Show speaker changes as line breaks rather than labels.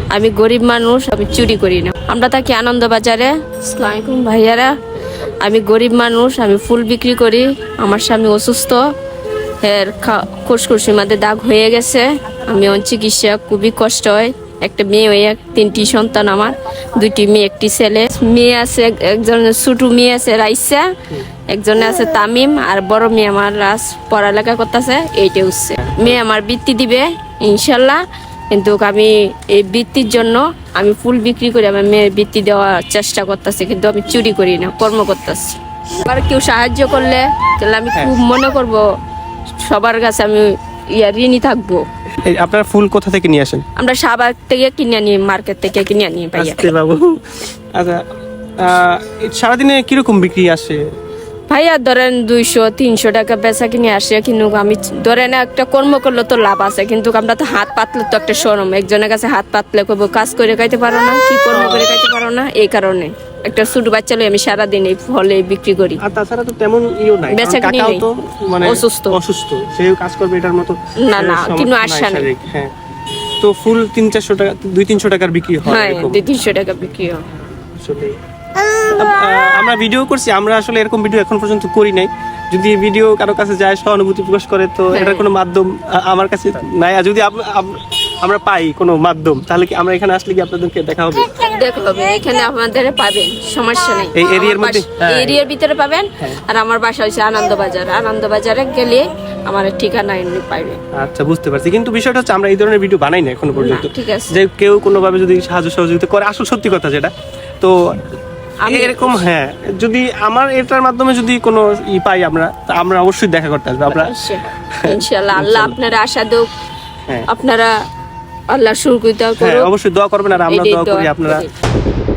আমি গরিব মানুষ, আমি চুরি করি না। আমরা থাকি আনন্দবাজারে। আসসালামু আলাইকুম ভাইয়ারা, আমি গরিব মানুষ, আমি ফুল বিক্রি করি। আমার স্বামী অসুস্থ, এর ফুসফুসের মধ্যে দাগ হয়ে গেছে। আমি চিকিৎসা খুবই কষ্ট হয়। একটা মেয়ে হয়ে 3টি সন্তান আমার, 2টি মেয়ে 1টি ছেলে। মেয়ে আছে, একজনের ছোট মেয়ে আছে রাইসা, একজনে আছে তামিম, আর বড় মেয়ে আমার রাজ পড়ালেখা করতেছে, এইটা হচ্ছে। মেয়ে আমার বৃত্তি দিবে ইনশাল্লাহ, কিন্তু আমি এই বৃত্তির জন্য আমি ফুল বিক্রি করি। আমার মেয়ের বৃত্তি দেওয়ার চেষ্টা করতেছি, কিন্তু আমি চুরি করি না, কর্ম করতেছি। আবার কেউ সাহায্য করলে তাহলে আমি খুব মনে করব, সবার কাছে আমি ঋণী থাকবো।
আপনারা ফুল কোথা থেকে নিয়ে আসেন?
আমরা শাহবাগ থেকে কিনে আনি, মার্কেট থেকে কিনে আনি ভাইয়া।
বাবু, আচ্ছা, সারাদিনে কিরকম বিক্রি আসে
ভাইয়া? ধরেন 200-300 টাকা বেচা কিনে আসে, কিন্তু আমি ধরেন একটা কর্ম করলে তো লাভ আছে, কিন্তু আমরা তো হাত পাতলে তো একটা শরম। একজনের কাছে হাত পাতলে কইব কাজ করে খাইতে পারো না, কি কর্ম করে খাইতে পারো না, এই কারণে একটা ছোট বাচ্চা লই আমি সারাদিন এই ফলে বিক্রি করি।
আর তাছাড়া তো তেমন নাই,
বেচা কিনে
কাকাও তো মানে
অসুস্থ,
সেও কাজ করবে এটার মতো
না না, কিন্তু আশা নেই।
হ্যাঁ, তো ফুল 300-400 টাকা, 200-300 টাকার বিক্রি হয়।
হ্যাঁ, 200-300 টাকা বিক্রি হয়।
আসলে আমরা ভিডিও করছি, আমরা আসলে এরকম ভিডিও এখন পর্যন্ত করি নাই। যদি ভিডিও কারো কাছে যায়, সহানুভূতি প্রকাশ করে, তো এটার কোনো মাধ্যম আমার কাছে নাই। আর যদি আমরা পাই কোনো মাধ্যম, তাহলে কি আমরা এখানে আসলে কি আপনাদেরকে দেখা হবে?
দেখা হবে, এখানে আপনাদের পাবেন, সমস্যা নেই।
এই এরিয়ার মধ্যে,
এরিয়ার ভিতরে পাবেন। আর আমার বাসা হচ্ছে আনন্দবাজার। আনন্দবাজারে গেলে আমার ঠিকানা এমনি পাইবে।
আচ্ছা, বুঝতে পারছি। কিন্তু বিষয়টা হচ্ছে আমরা এই ধরনের ভিডিও বানাই না এখনো পর্যন্ত।
ঠিক আছে,
যে কেউ কোনোভাবে যদি সাহায্য সহযোগিতা করে, আসল সত্যি কথা যেটা, তো এরকম, হ্যাঁ, যদি আমার এটার মাধ্যমে যদি কোনো পাই আমরা অবশ্যই দেখা করতে আসবো। আমরা
ইনশাআল্লাহ, আল্লাহ আপনারা আশা দেব, আপনারা আল্লাহ শুকরিয়া করুন,
অবশ্যই দোয়া করবেন, আর আমরা দোয়া করি আপনারা